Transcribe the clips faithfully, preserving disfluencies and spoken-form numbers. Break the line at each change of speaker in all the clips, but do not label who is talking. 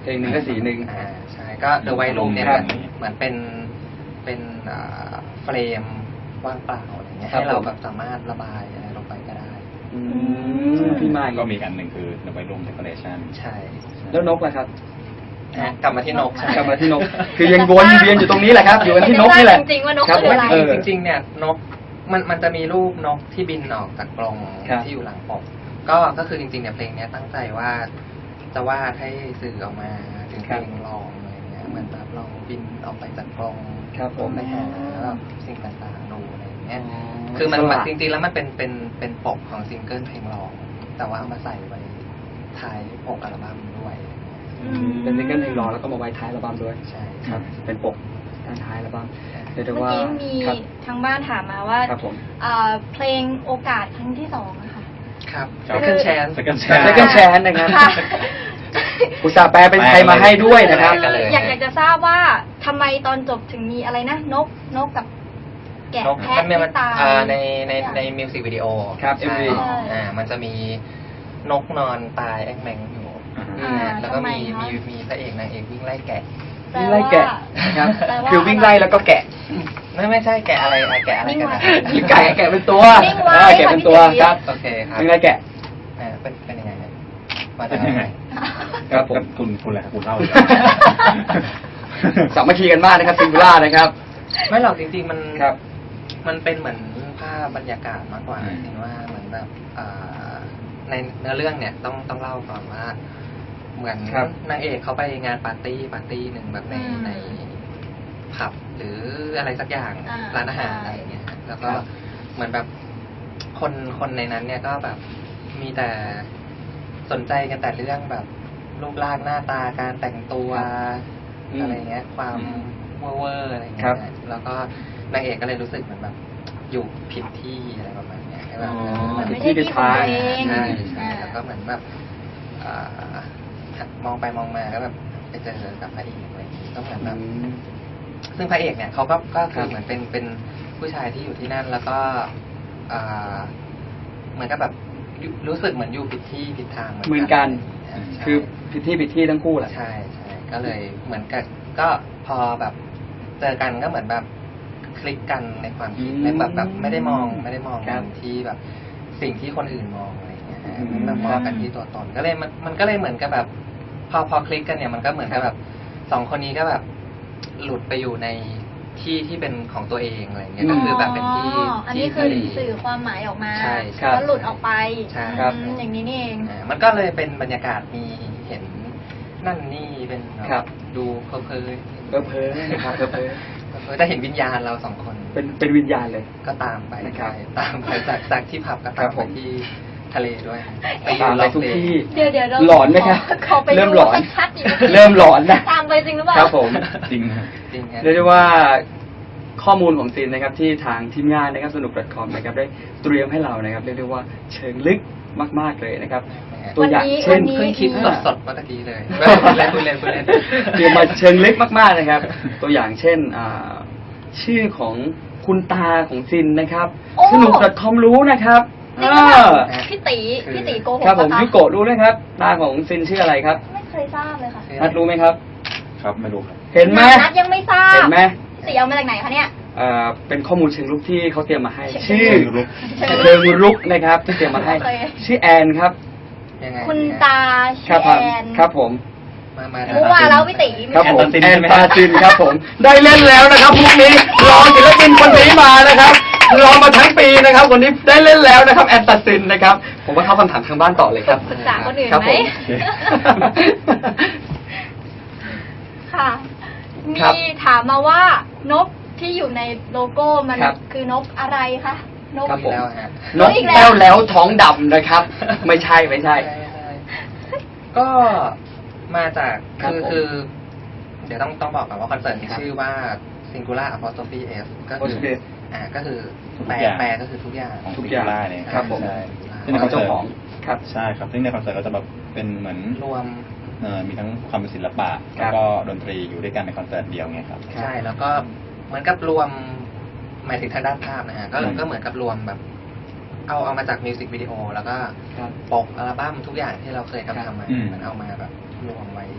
เพลงหนึ่งก็สีหนึ่ง
อ่าใช่ก็ The White Room เนี่ยเหมือนเหมือนเป็นเป็นเฟรมว่างเปล่าอะไรเงี้ยให้เราแบบสามารถระบายอะไรลงไปก็ได้
พี่มา
ก็มีกันหนึ่งคือ The White Room Decoration
ใช่
แล้วนกล่ะครับ
กลับมาที่นก
กลับมาที่นกคือยังวนเวียนอยู่ตรงนี้แหละครับอยู่กันที่นกนี่แหละ
จริงๆว่านกคืออะไร
จริงๆเนี่ยนกมันมันจะมีรูปนกที่บินออกจากกรงที่อยู่หลังปกก็ก็คือจริงๆเนี่ยเพลงนี้ตั้งใจว่าจะวาดให้สื่อออกมาถึงเพลงลองอะไรเงี้ยเหมือนแบบลองบินออกไปจากกรงไปหาสิ่งต่างๆดูอะไรเงี้ยคือมันจริงๆแล้วมันเป็นเป็นเป็นปกของซิงเกิลเพลงลองแต่ว่าเอามาใส่ไว้ท้ายปกอัลบั้มด้วย
เป็นซิงเกิลเพลงรอแล้วก็มาไว้ท้ายอัลบั้มด้วย
ใช่
ครับเป็นปกด้านท้ายอัลบั้ม
เมื่อกี้มีทางบ้านถามมาว่าเพลงโอกาสครั้งที่สองนะคะ
ครับ Second Chance
Second Chance
Second Chance นะครับอุตส่าห์แปลเป็นไทยมาให้ด้วยนะครับ
อยากอยากจะทราบว่าทำไมตอนจบถึงมีอะไรนะนกนกกับแกะแพะที่ตาย
ในในในมิวสิกวิดีโอ
ครับ เอ็ม วี
อ่ามันจะมีนกนอนตายแองแมงอยู่แล้วก็มีมีมีพระเอกนางเอกวิ่งไล่แกะ
วิ่งไล่แกะครับคือวิ่งไล่แล้วก็แกะ
ไม่ไม่ใช่แกะอะไรแกะอะไรกันนะ
แกะแกะเป็นตัวแกะเป็นตัวครับ
โอเคครับ
วิ่งไล่แกะ
เป็นเป็นยังไงมาจากไหน
ครับผมคุณคุณอะไรคุณเล่า
สามัคคีกันมากนะครับซิงคูล่านะครับ
ไม่หรอกจริงๆมัน
ครับ
มันเป็นเหมือนภาพบรรยากาศมากกว่าเห็นว่าเหมือนแบบในเนื้อเรื่องเนี่ยต้องต้องเล่าก่อนว่าเหมือนนางเอกเขาไปงานปาร์ตี้ปาร์ตี้หนึ่งแบบในในผับหรืออะไรสักอย่างร้านอาหารอะไรเงี้ยแล้วก็เหมือนแบบคนคนในนั้นเนี่ยก็แบบมีแต่สนใจกันแต่เรื่องแบบรูปร่างหน้าตาการแต่งตัวอะไรเงี้ยความเวอร์อะไรเงี้ยแล้วก็นางเอกก็เลยรู้สึกเหมือนแบบอยู่ผิดที่อะไรประมาณนี้แบบ
ไม่ใช่ที่ของตัวเอง
ใช่ใช่แล้วก็เหมือนแบบมองไปมองมาก็แบบไปเจอกับพระเอกอะไรอย่างนี้ก็เหมือนแบบซึ่งพระเอกเนี่ยเขาก็ก็คือเหมือนเป็นเป็นผู้ชายที่อยู่ที่นั่นแล้วก็เหมือนกับแบบรู้สึกเหมือนอยู่ผิดที่ผิดทาง
เหมือนกันคือผิดที่ผิดที่ทั้งคู่แหละ
ใช่ใช่ก็เลยเหมือนกับก็พอแบบเจอกันก็เหมือนแบบคลิกกันในความคิดในแบบแบบไม่ได้มองไม่ได้มองที่แบบสิ่งที่คนอื่นมองอะไรอย่างเงี้ยแบบมองกันที่ตัวตนก็เลยมันมันก็เลยเหมือนกับแบบพอพอคลิกกันเนี่ยมันก็เหมือนกับแบบสองคนนี้ก็แบบหลุดไปอยู่ในที่ที่เป็นของตัวเองอะไรเงี้ยก็คือแบบเป็นที่
อันนี้คือสื่อความหมายออกมาแล้วหลุดออกไปอย่างนี้นี่เอง
มันก็เลยเป็นบรรยากาศมีเห็นนั่นนี่เป็นดูเพลินเพลิน
เพลินเพลินนะครับเพลินเพลิน
จะเห็นวิญญาณเราสองคน
เป็นเป็นวิญญาณเลย
ก็ตามไปตามไปจากจากที่ผับก็ตามไปที่ทะเลด้วย
ไปตามไปทุกที่
เดี๋ยวเดี๋ยว
หลอนไหมครับเริ่มหลอนเริ่มหลอนนะ
ตามไปจริงหรือเปล่า
ครับผม
จริง
จริง
เรียกได้ว่าข้อมูลของซีนนะครับที่ทางทีมงานนะครับสนุก .com นะครับได้เตรียมให้เรานะครับเรียกได้ว่าเชิงลึกมากๆเลยนะครับ
ตัวอย่าง
เช่น
เพิ่งคิดสดๆเมื่อกี้เลยเล่นเล่นเล่น
เตรียมมาเชิงลึกมากๆนะครับตัวอย่างเช่นชื่อของคุณตาของซินนะครับสนุก .com รู้นะครับ
พี่ตีพี่ตีโกหก
ครับผมยุโกะรู้ไหมครับตาของซินชื่ออะไรครับ
ไม่เคยทราบเลยค่ะ
นัดรู้ไหมครับ
ครับไม่รู้ครับ
เห็นไหม
นัดยังไม่ทราบ
เห็นไหม
พี่ตีเอามาจากไหนคะเนี่ย
เอ่อเป็นข้อมูลเชิงลุกที่เขาเตรียมมาให้ชื่อเชิงลุกนะครับที่เตรียมมาให้ชื่อแอนครับ
คุณตาชื่อแอน
ครับผม
รู้ว่าแล้วพี่ตี
ครับผมแอนตาซินครับผมได้เล่นแล้วนะครับพรุ่งนี้รอศิลปินคนนี้มานะครับรอมาทั้งปีนะครับวันนี้ได้เล่นแล้วนะครับแอนตาซินนะครับผมว่าเข้าคำถามทางบ้านต่อเลยครับ
ปรึกษาคนอื่นไหมค่ะมีถามมาว่านกที่อยู่ในโลโก้มันคือนกอะไรคะนก
อีกแล้วฮะนกแก้วแล้วท้องดำนะครับไม่ใช่ไม่ใช่
ก็มาจากคือคือเดี๋ยวต้องต้องบอกก่อนว่าคอนเสิร์ตมีชื่อว่า Singular Apostrophe S ก็คืออ่าก็คือแปลแปลก็คือทุกอย่าง
ทุกอย่างเนี่ย
ครับผม
ซึ่งในคอนเสิร์ต
ครับ
ใช่ครับซึ่งในคอนเสิร์ตก็จะแบบเป็นเหมือน
รวม
เอ่อมีทั้งความเป็นศิลปะแล้วก็ดนตรีอยู่ด้วยกันในคอนเสิร์ตเดียวไงครับ
ใช่แล้วก็เหมือนกับรวมหมายถึงทางด้านภาพนะฮะก็ก็เหมือนกับรวมแบบเอาเอามาจากมิวสิกวิดีโอแล้วก็ปกอัลบั้มทุกอย่างที่เราเคยทำทำมามันเอามาแบบรวมไว้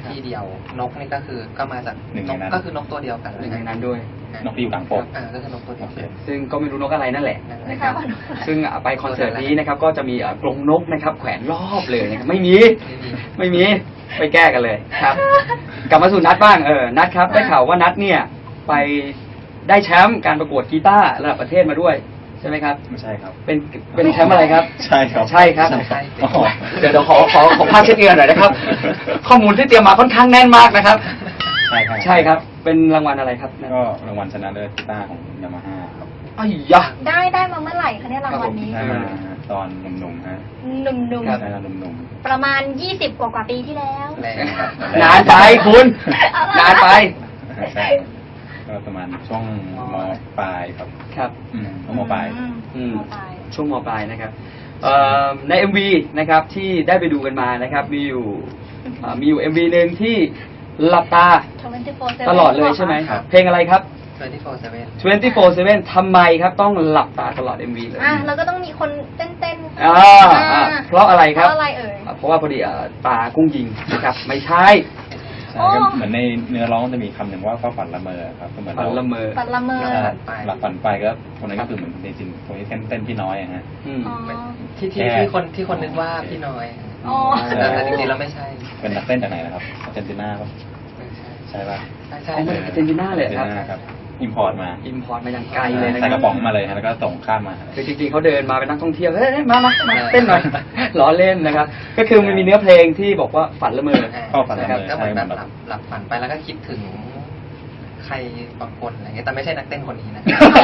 ที่เดียว นกนี่ก็คือก็มาจาก
หนึ่ง
น
ใน
ก
นั้น
ก็คือนกตัวเดียวกัน
หนึ่งในนั้นด้วย
นกที่อยู่กลางปก
อ่าก็คือนกตัวเดียวกัน
ซึ่งก็ไม่รู้นกอะไรนั่นแหละ
นั่นแหละ
นะครับ
ไม่ทราบว่านกอะไร
ซึ่งอ่ะไปคอนเสิร์ตนี้นะครับก็จะมีอ่ะกรงนกนะครับแขวนรอบเลยนะครับไม่มี
ไม่มี
ไม่มีไปแก้กันเลยครับ กลับมาสู่นัดบ้างเออนัดครับได้ข่าวว่านัดเนี่ยไปได้แชมป์การประกวดกีตาร์ระดับประเทศมาด้วยใช่ไหมครับ
ไม่ใช่ครับ
เป็นเป็นแชมป์อะไรครับ
ใช่ครับ
ใช่ครับ
ใช่
อ๋อ
เดี๋ยวเดี๋ยวขอขอขอภาพเช็คเงินหน่อยนะครับ ข้อมูลที่เตรียมมาค่อนข้างแน่นมากนะครับ
ใช่ครับ
ใช่ครับเป็นรางวัลอะไรครับ
ก็รางวัลชนะเลิศกีตาร์ของยามาฮ่าครับ
อ้ยยะ
ได้ได้มาเมื่อไหร่คะเนี่ยรางวัลนี้
ได้มาตอนหนุ่มๆฮะ
หนุ่ม
ครับ
ใช่ครับหนุ่ม
ๆประมาณยี่สิบกว่ากว่าปีที่แล้ว
แรงครับ
นานไปคุณนานไป
ๆใช่ก็ประมาณช่วงมปลายครับ
ครับ
อืมช่วงมปลาย
อืม
มปลาย
ช่วงมปลายนะครับเอ่อใน เอ็ม วี นะครับที่ได้ไปดูกันมานะครับมีอยู่เอ่อมีอยู่ เอ็ม วี หนึ่งที่หลับตา
ยี่สิบสี่
ตลอดเลยใช่ไหม
ครับ
เพลงอะไรครับ
ยี่สิบสี่ เซเว่น
ยี่สิบสี่ เซเว่น ทำไมครับต้องหลับตาตลอด เอ็ม วี เลย
อ่ะแล้วก็ต้องมีคนเต้นเต้นๆ
อ่าอ่าเพราะอะไรครับ
เพราะอะไรเอ่ย
อ่าเพราะว่าพอดีเอ่อตากุ้งยิงนะครับไม่ใช่
ใช่ก็เหมือนในเนื้อร้องจะมีคำหนึ่งว่าฟ้าฝันละเมอครับก็เหมือน
ฝัน
เรา
ละเมอ
ปัดละเมอ
ใช่หลับฝันไปก็คนนั้นก็คือเหมือนในจริงคนที่เต้นเต้นพี่น้อยอะฮะ
อืม
อ๋อ
ที่ที่ที่คนที่คนนึกว่าพี่น้อย
อ๋อ
แต่แต่จริงๆแล้วไม่ใช่
เป็นนักเต้นจากไหนนะครับอาร์เจนตินาป่ะ
ไม่ใช่
ใช่ป่ะ
ใช่ใช่
เอามาจากอาร์เจนตินาเลยครับ
อาร์เจนตินาครับอิมพอร์ตมา
อิมพอร์ตมาอย่างไกลเลยนะค
ใส่ก
รั
ระ
บ
ป๋องมาเลยฮะแล้วก็ส่งข้ามมา
คือจริงๆเขาเดินมาเป็นนักท่องเที่ยวเฮ้ยมามามาเต้นหน่อย ล้อเล่นนะครับ ก็คือมันมีเนื้อเพลงที่บอกว่าฝันละเมอ
เข้าฝันละ
นะค
เม
รับ
อ
ก็เหมือนแบบหลับหลับฝันไปแล้วก็คิดถึงใครบางคนอะไรเงี้ยแต่ไม่ใช่นักเต้นคนนี้นะ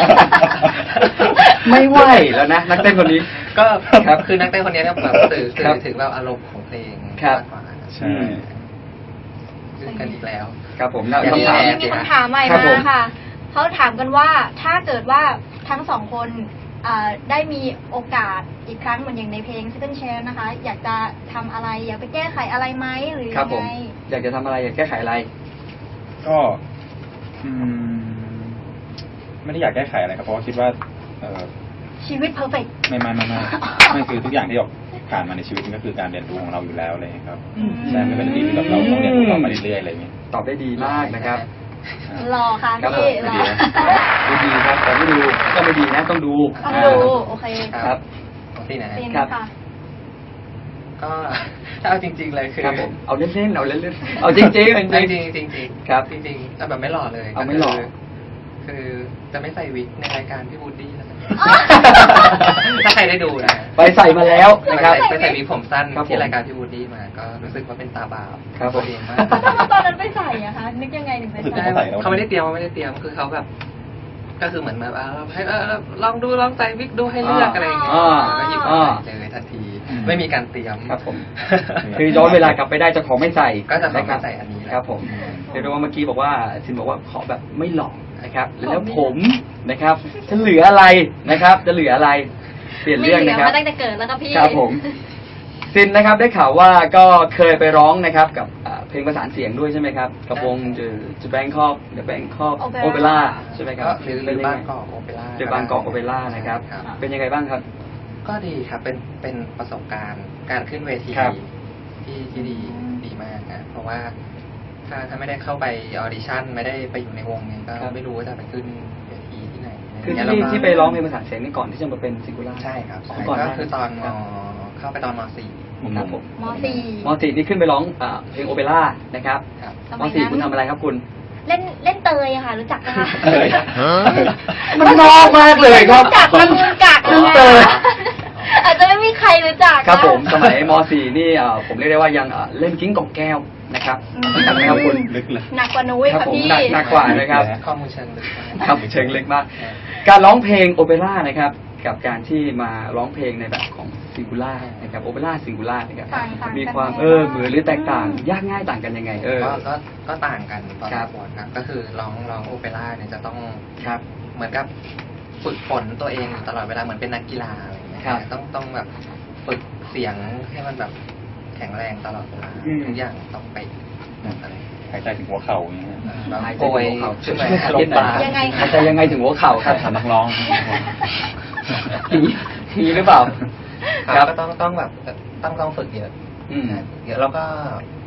ไม่ไหวแล้วนะนักเต้นคนนี้
ก็
ครับ
คือนักเต้นคนนี้เนี่ยแบบสื่อสื่
ครั
อบ ถึงแบบอารมณ์ของเพลง
ครับ
มากกว่า
ใช่
ซึ่งกันอีกแล้ว
ครับผมแล้ว
อย่างนี้
คำถาม
แหละ
มีคำถามใหม่
ครับผม
มาค่ะเขาถามกันว่าถ้าเกิดว่าทั้งสองคนอ่าได้มีโอกาสอีกครั้งเหมือนอย่างในเพลง Second Chance นะคะ อยากจะทำอะไร อยากไปแก้ไขอะไรไหมหรือ
ครับ
ยัง
ผม
ไง
อยากจะทำอะไรอยากแก้ไขอะไร
ก็อืมไม่ได้อยากแก้ไขอะไรครับเพราะว่าคิดว่าเออ
ชีวิตเพอร์เฟกต์
ไม่ไม่ไม่ไม่ไม่คือทุกอย่างที่เราผ่านมาในชีวิตมันก็คือการเรียนรู้ของเราอยู่แล้วอะไรอย่างเลยครับ
อืม
ใช่ไม่เป็นสิ่งที่แบบเราต้องเรียนรู้ต่อไปเรื่อยๆอะไรอย่างเงี้ย
ตอบได้ดีมากนะครับ
อ่า
รอค่ะ
ครับผ
พี่
ม
รอ
ดูดีครับแต่ไม่ดูก็ไม่ดีนะต้องดู
ต้องดูโอเค
ครับ
ของที่ไหน
เป็น
ครับ
ค่ะ
ก็ ถ้าเอาจริง ๆ เลยคือ
ครับผมเอาเล่นๆเอาเล่นๆเอาจริงๆจริง
จริงๆจริงๆจริงๆ
ครับ
จริงๆเอาแบบไม่หล่อเลย
เอาไม่หล่อ
คือคือจะไม่ใส่วิกในรายการพี่บูดดี้แล้วกัน
อ๋อ
ถ้าใครได้ดูนะ
ไปใส่มาแล้วนะครับ
ไปใส่วิกผมสั้น
ครับผม
ที่รายการพี่บูดดี้มา ก็รู้สึกว่าเป็นตาบาป
ครับผม
ตัวเองมาก
ตอนนั้นไปใส่อะคะนึกยังไงถึงไป
รู้สึก
ใส่
ว่า ใส่แล้ว
เขาไม่ได้เตรียมเขาไม่ได้เตรียมคือเขาแบบ ก็คือเหมือนแบบอ่าให้เออลองดูลองใส่วิกดูให้เลือกอะไรอย่างเงี้ย
อ่า
ก็หยิบ
อ่า
มาใส่เลยทันที ไม่มีการเตรียม
ครับผม คือย้อนเวลากลับไปได้จะขอไม่ใส่
ก็จะขอไม่
นรับ
ใส่อันนี้แหละ
ครับผมเรียกได้ว่าเมื่อกี้บอกว่าซินบอกว่าขอแบบไม่หลอกนะครับแล้วผมนะครับจะเหลืออะไรนะครับ จะเหลืออะไร เปลี่ยนเรื่องนะครับ
ไม่หลืมาตั้งแต่เกิดแล้วก็พี่
ครับผมซินนะครับได้ข่าวว่าก็เคยไปร้องนะครับกับอ่าเพลงประสานเสียงด้วยใช่ไหมครับกับวงจะจะแบงคอกเดอะแบงคอกโอเปร่าใช่ไหมครับ
ก็หรือหรือ
เป็นยัง
บาง
ไง
กอกโอเปร่า
เดอะบางกอกโอเปร่านะครับ
ครับ
เป็นยังไงบ้างครับ
ก็ดีครับ เป็น เป็นประสบการณ์ การขึ้นเวที
ครับ
ที่ที่ดีดีมากนะ เพราะว่าถ้าถ้าไม่ได้เข้าไปออดิชั่น ไม่ได้ไปอยู่ในวงนี้ก็ไม่รู้ว่าจะไปขึ้นเวทีที่ไหน
คือ
เนี่ย
ที่
แล้วก็
ที่ไปร้องเพลงประสานเสียงนี่ก่อนที่จะมาเป็นซิงคูล่า
ใช่ครับใช่
ก่อนห
ก็
น้า
คือตอนม
ครับ
เข้าไปตอนมสี่
ครับผม
มสี่
มอสี่นี่ขึ้นไปร้องอ่าเพลงโอเปร่านะครับ
ครับ
ส
ม
มัย
สี่
นั้น
คุณทำอะไรครับคุณ
เล่นเล่นเตยอะค่ะ รู้จักไหมคะ
เอ้ยมันนอกมากเลยครับ
รู้จัก
มัน
รู้จัก
เรื่องเตย
อาจจะไม่มีใครรู้จักนะ
ครับผมสมัยมสี่นี่อ่าผมเรียกได้ว่ายังอ่าเล่นกิ้งกองแก้วนะครับ
อืม
รู้จักไหมครับคุณ
ลึกเลย
หนักกว่านุ้ย
ครับ
ค่ะ
ผม
พี่
หนักหนักกว่านะครับ
ข้อมูลเชิงลึกมาก
ครับเชิงเล็กมาก การร้องเพลงโอเปร่านะครับ กับการที่มาร้องเพลงในแบบของซิงคูล่านะครับโอเปร่าซิงคูล่านะครับ
ต่างต่างกัน
มีความ
ไหม
เออเหมือนหรือแตกต่าง ยากง่ายต่างกันยังไง เออ
ก็ก็ก็ต่างกันตอน
ครับ
ประกวดครับ ก็คือร้องร้องโอเปร่าเนี่ยจะต้อง
ครับ
เหมือนกับฝึกฝนตัวเองอยู่ตลอดเวลาเหมือนเป็นนักกีฬาอะไรอย่างเงี้ย
ครับ
ต้องต้องแบบฝึกเสียงให้มันแบบแข็งแรงตลอดเวลา
อืม
ทุกอย่างต้องไปอะไร
หายใจถึงหัวเข่าอย่างเงี้ย
แบบ
หายใจ
โกย
ถึงหัวเข่า
ขึ้นมา
ช่วย
ล
ช่วย
งปลา
ยังไง
หายใจยังไงถึงหัวเข่าค
ครั
รั
บบ สำนักร้อง
มีมีหรือเปล่า
ครับก็ต้องต้องแบบต้องต้องฝึกเยอะ
อืม
เยอะแล้วก็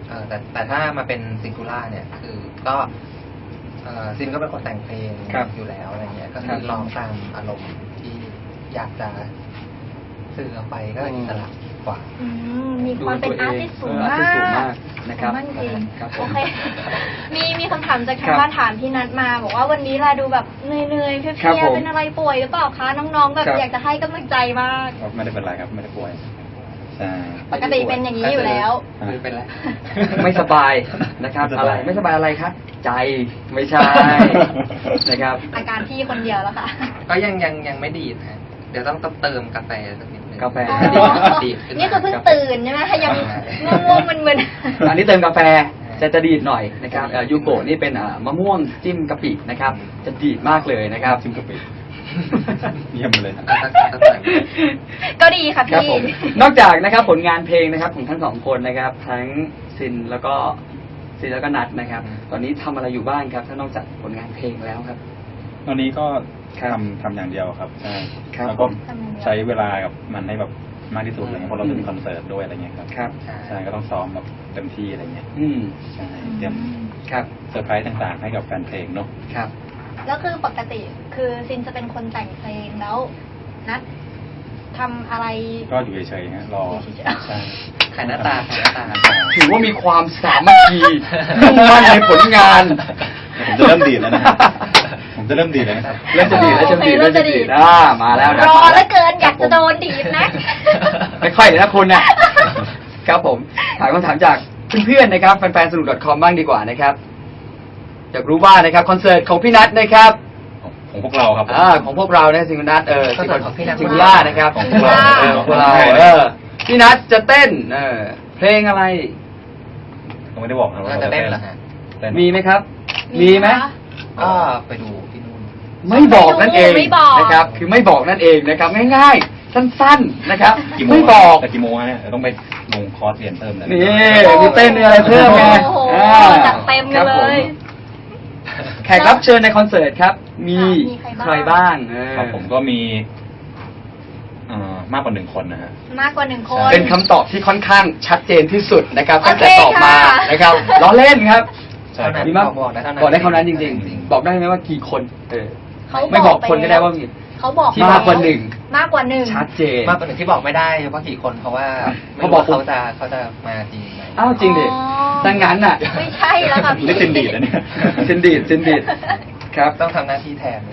เอ่อแต่แต่ถ้ามาเป็นซิงคูล่าเนี่ยคือก็เอ่อซินก็เป็นคนแต่งเพลง
ครับ
อยู่แล้วอะไรเงี้ยก็
ค
คื
รั
อบ ร้องตามอารมณ์ที่อยากจะสื่อออกไปก็อิสระกว่า
อืมมีความเป็นอาร์ติสต์สูง
เออ
มา
artist สูง
ก
มากนะครับ
สูงมากจริง
ครับผม
โอเค มีมีคำถามจาก
ครั
ทาง
บ
บ้านถามพี่นัทมา บอกว่าวันนี้เราดูแบบเหนื่อยๆเพลี
ครับ
ย
ผม
ๆเป็นอะไรป่วยหรือเปล่าคะน้องๆแบบ
ครับ
อยากจะให้กำลังใจมาก
ก็ไม่ได้เป็นไรครับไม่ได้ป่วยใช่
ปกติเป็นอย่างนี้อยู่แล้ว
หรือเป็นอะไร
ไม่สบายนะครับ
ไม่ส
อะ
บาย
ไรไม่สบายอะไรครับ ใจไม่ใช่ นะครับ
อาการพี่คนเดียวแล้วค่ะ
ก็ยังยังยังไม่ดีดฮะเดี๋ยวต้องเติมกาแฟสักนิดนึง
กาแฟ
ดีดดีดขึ้นมา
นี่คือเพิ่งตื่นใช่ไหมคะยังง่วงๆมึน
อันนี้เติมกาแฟจะจะดีดหน่อยนะครับเอ่อยูโกะนี่เป็นอ่ามะม่วงจิ้มกะปินะครับ จะดีดมากเลยนะครับ
ชิมกะปิเยี่ยมเลยครับ
ก็สักสักหน่อย
ๆ ก็ดีค่ะ
ครับ
พี่
ผมนอกจากนะครับผลงานเพลงนะครับของทั้งสองคนนะครับ ทั้งซินแล้วก็ซินแล้วก็นัทนะครับ ตอนนี้ทำอะไรอยู่บ้างครับ ถ้านอกจากผลงานเพลงแล้วครับ
ตอนนี้ก็
ครับ
ทำทำอย่างเดียวครับใช่
ครับ
แล้วก็
ทำอย่างเดียว
ใช้เวลากับมันให้แบบมากที่สุดอะไรเงี้ยเพราะเราจะมีคอนเสิร์ตด้วยอะไรเงี้ยครับ
ครับ
ใช่ก็ต้องซ้อมแบบเต็มที่อะไรเงี้ย
อืม
ใช่เตรียม
ครับ
เซอร์ไพรส์ต่างๆ ให้กับแฟนเพลงเนาะ
ครับ
แล้วคือปกติคือซินจะเป็นคนแต่งเพลงแล้วนัททำอะไร
ก็อยู่เฉยๆฮะรอ
อยู่เฉยๆ
ใช่
ขายหน้าตาขายหน้าตา
ถือว่ามีความสามัคคีมุ่งมั่นในผลงาน
ผมจะเริ่มดีดแล้วนะผมจะเริ่มดีดแล้วนะครับ
เริ่มจะดีดแล้วจะดีด
โอเคเริ่
เริ่
ม
ม
จะ
จะ
ดี
ดี
ด
ดอ่ามาแล้วนะ
รอแล้วเกินอยากจะโดนดีดนะ
ไม่ค่อยเลยนะคุณนะ ครับผมถามคำถามจากเพื่อนๆนะครับแฟนๆสนุก .com บ้างดีกว่านะครับอยากรู้ว่านะครับคอนเสิร์ตของพี่นัทนะครับ
ของพวกเราครับผม
อ่าของพวกเราเนี่ยสิงห์นัทเออ
คอนเสิร์ตของพี่นัท
สิงห์ล่านะครับ
ของพวกเรา
เออของพวกเราเออพี่นัทจะเต้นเออเพลงอะไร
ผมไม่ได้บอกนะว่า
เราจะเต้นเหรอฮะ
เต้น
มีไหมครับ มีไหม
คะ
ก็ไปดูที่นู่น
ไม่บอกนั่นเอง
ไม่บอก
นะครับ คือไม่บอกนั่นเองนะครับ ง่ายๆ สั้นๆนะครับ
กี่โมง
ไม่บอก
แต่กี่โมงฮะเนี่ยเดี๋ยวต้องไปลงคอร์สเรียนเพิ่มเลย
นี่มีเต้นมีอะไรเพิ่มไง
โอ้โห
อ่า
จัดเต็มกันเลย
แขกรับเชิญในคอนเสิร์ตครับ มี
ค่ะมีใค
ใค
ร
ร
บ้า
บ้าง งเออ
ครับผมก็มีเอ่อมากกว่าหนึ่งคนนะฮะ
มากกว่าหนึ่งคน
เป็นคำตอบที่ค่อนข้างชัดเจนที่สุดนะครับ
โอ
ตั้ง
เค
แต่ตอบมา
ค่ะ
นะครับล้อเล่นครับ
ใช่ครับ
มีมาก
บอกได้เท่านั้น
บอกได้เท่านั้นจริง
จริง
ๆ บอกได้ไหมว่ากี่คนเออ
เขา
ไม่บอกคนก็ได้ว่ามี
เขาบอก
ที่มากกว่าหนึ่ง
มากกว่าหนึ่ง
ชัดเจน
มากกว่าหนึ่งที่บอกไม่ได้ว่ากี่คนเพราะว่าไม่
เขา
รู้
บอก
ว่าเขาจะเขาจะมาจริงไหม
อ้าวจริงดิ
อ๋อ
ดังนั้นน่ะ
ไม่ใช่แล้วค่ะพี่
นี่ซินดีดแล้วเนี่ย
ซินดีดซินดีดครับ
ต้องทำหน้าที่แทน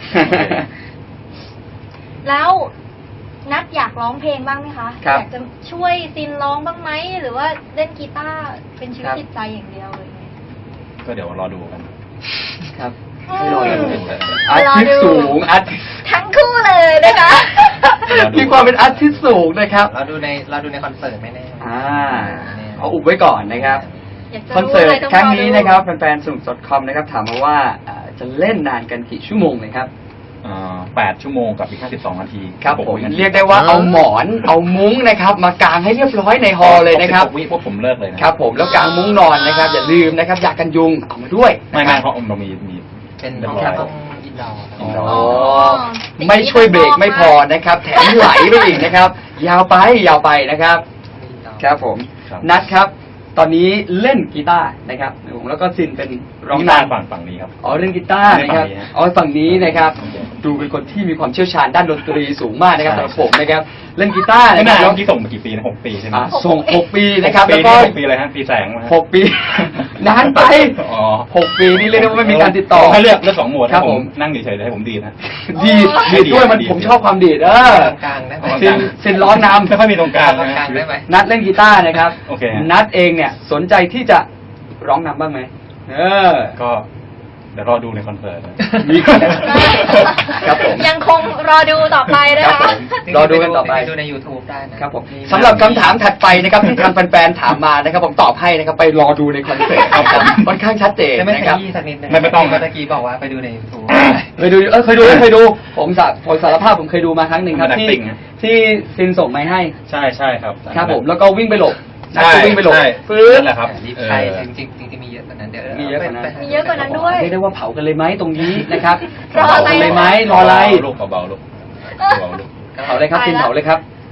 แล้วนัดอยากร้องเพลงบ้างไหมคะ
ครับ
อยากจะช่วยซินร้องบ้างไหมหรือว่าเล่นกีตาร์เป็นชีวิ
ค
ต
รับ
จิตใจอย่างเดียวเลย
ก็เดี๋ยวรอดูกัน
ครับ
อื
ให้รอ
ม
ดูอาร์ติสต์สูงอาร์ติสต์
ทั้งคู่เลยนะคะ
รอดู
มีความเป็นอาร์ติสต์สูงนะครับ
เราดูในเราดูในคอนเสิร์ตไม่แน่
อ่าเอาอุบไว้ก่อนนะครับ
อยากจะ
คอนเสิร์ต
ลยต้
ครั้งนี้
ดู
นะครับแฟนๆสนุก .com นะครับถามมาว่าเอ่อจะเล่นนานกันกี่ชั่วโมงเลยครับ
เอ่อแปดชั่วโมงกับอีกแค่สิบสองนาที
ครับผม
นาที
เรียกได้ว่าเอาหมอนเอามุ้งนะครับมากางให้เรียบร้อยในฮอลล์เลยนะครับ
สิหกวิพวกผมเลิกเลยนะครับ
ผมแล้วกางมุ้งนอนนะครับ อย่าลืมนะครับยากันยุงเอามาด้วย
ไม่ไม่เพราะเรามีมี
เป็น
เรียบ
ห้อง
ร้อย
ห้องอินดอร์
อ๋อ
อ๋อไม่ช่วยเบรกไม่พอนะครับ แถมไหลไปอีกนะครับ ยาวไปยาวไปนะครับ ครับผม
ครับ
นัดครับ ตอนนี้เล่นกีตาร์นะครับแล้วก็ซินเป็นร้อง
นี่
น
มาฝั่งฝั่งนี้ครับ
อ๋อเล่นกีตาร์นะครับ
ไม่ได้ฝั่งนี้ฮะ
อ๋อฝั่งนี้นะครับ ดูเป็นคนที่มีความเชี่ยวชาญด้านดนตรีสูงมากนะครับ
ใช่
สำหรับผมนะครับ เล่นกีตาร์
ไม่
นะค
นา
รั
น
บ
เมื่อกี้ส่งมากี่ปีนะหกปีใช่ไหม
อ่ะส่งหกปีนะครับ
หกปี
แล้วก็
นี่หกปีอะไรฮะปีแสงมาฮะ
หกปี นานไป
อ๋อ
หกปีนี่เรียกได้ว่าไม่มีการติดต่อ
ให้เลือกเลือกสองโหมด
ครับ
ให้ผ
ผม ม
นั่งเฉยๆเลยให้ผมดีดนะ
ดีด
ไม่
ดีด
ดี
ด้วยมัน
ดี
ผมชอบความดีดเออ
กลางได้ไหม
ซินซินร้องนำ
ไม่ค่อยมีตรงกลาง
ตรงกลางได้ไหม
นัดเล่นกีตาร์นะครับ
โอเคฮะ
นัดเองเนี่ยสนใจที่จะร้องนำบ้างไหมเออ
ก็เดี๋ยวรอดูในคอนเสิร์ตนะ
มีคนครับผม
ยังคงรอดูต่อไปนะ
ครั
คะ
บผม รอดูกันต่อไป
ดูใน YouTube ได้นะครับ
ผมสำหรับคำถามถัดไปนะครับที่ทางแฟนๆถามมานะครับผมตอบให้นะครับไปรอดูในคอนเสิร์ตครับผมค่อนข้างชัดเจน
จะไม่
นะ
ข
ครับ
ยี้สักนิดนึง
ไม่ไม่ต้อง
เมื่อกี้บอกว่าไปดูใน YouTube
เคยดูเออเคยดูเคยดู ผมสาผมสารภาพผมเคยดูมาครั้งหนึ่งครับ
มัน
ที่
acting นะ
ที่ซินส่งไม้ให้
ใช่ใช่ครับ
ครับผมแล้วก็วิ่งไปหลบนัด
ใช่
ก็วิ่งไปหลบ
ใช่
ฟื้น
นั่นแหละครับ
รีบ
เออ
ใช่จริงๆจริงๆมีเยอะกว่านั้นเดี๋ยว
มีเยอะกว่านั้น
ไป
มีเยอะกว่านั้นด้วย
เรียกได้ว่าเผากันเลยไหมตรงนี้นะครับ
รอ
เผา
อะไร
กันเลยไหม
นะคะ
รออะไร
ลูกเบาๆลูกเบาๆลูก
เผาเลยครับซินเผาเลยครับ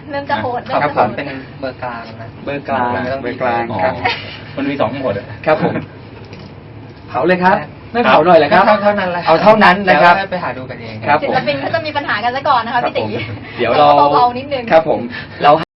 เริ่มจะโหด
ขอบ
เริ่มจะ
ผ
โห
ม
ด
เป็นเบอร์กลางนะ
เบอร์กลาง
ไม่ต้อง
เบอร์กลาง
อ๋อ
ครับ
มันมีสองหมดอะ
ครับผม เผาเลยครับ ไม่
ครับ
เผาหน่อยเลยครับ
เท่าเท่านั้นแหละ
เอาเท่านั้นนะครับ
แล้วไปหาดูกันเอง
ครับ
ศิลปินเขาจะมีปัญหากันซะก่อนนะคะพี่ตี
เดี๋ยวเรา
เบาๆนิดนึง
ครับผมเรา